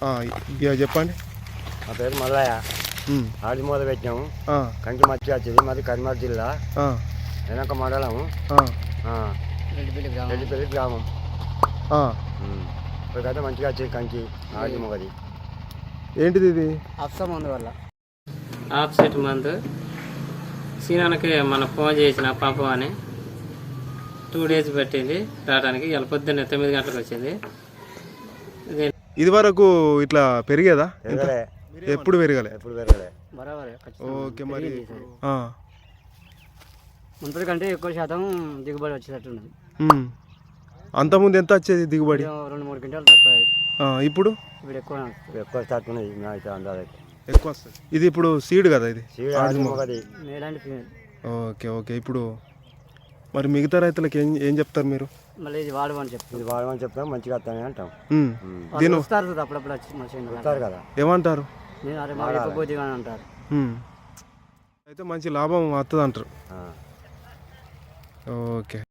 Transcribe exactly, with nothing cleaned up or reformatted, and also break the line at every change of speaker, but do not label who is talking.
ఇక చెప్పండి.
నా పేరు మల్లయ్య.
ఉమ్,
ఆడి మొదలు పెట్టినాము.
ఆ,
కంకి మచ్చి వచ్చింది. మాది కరీంనగర్ జిల్లా
ఆ,
వెనక మండలము
ఆ,
రెడ్డిపల్లి గ్రామం.
ఆ.
ఉమ్. ఇప్పటికైతే మంచిగా వచ్చింది కంకి ఆడి మొగది.
ఏంటిది ఇది?
అఫ్సా మందు వల్ల
ఆఫ్ సెట్ మందు సీనానికి మన ఫోన్ చేసిన పంపమని టూ డేస్ పెట్టింది రావడానికి. ఇలా పొద్దున్నే తొమ్మిది గంటలకు వచ్చింది.
ఇది వరకు ఇట్లా పెరిగేదా?
పెరగలే,
ఎప్పుడు పెరగలే.
ఎప్పుడు పెరగలే.
ఓకే, మరి
మునుపటి కంటే ఎక్కువ శాతం దిగుబడి వచ్చేటట్టున్నది.
అంతకుముందు ఎంత వచ్చేది దిగుబడి?
రెండు మూడు క్వింటాలు తక్కువ.
ఆ, ఇప్పుడు
ఇప్పుడు ఎక్కువ
ఎక్కువ స్టార్ట్ ఉన్నది అయితే అందాజ
ఎక్కువ వస్తుంది. ఇది ఇప్పుడు సీడ్ కదా, ఇది
సీడ్ ఆడి మొగది.
Male and female.
Okay okay. ఇప్పుడు మరి మిగతా రైతులకు ఏం ఏం చెప్తారు మీరు?
మళ్ళీ ఇది వాడమని చెప్తారు.
ఇది వాడమని చెప్తాం, మంచిగా వస్తాయని అంటాం.
దీని వస్తారు అప్పుడప్పుడు వచ్చి మా చేను
వస్తారు కదా.
ఏమంటారు?
నేను అరే మా చెప్పబోతే కానీ అంటారు.
అయితే మంచి లాభం వస్తుంది అంటారు. ఓకే.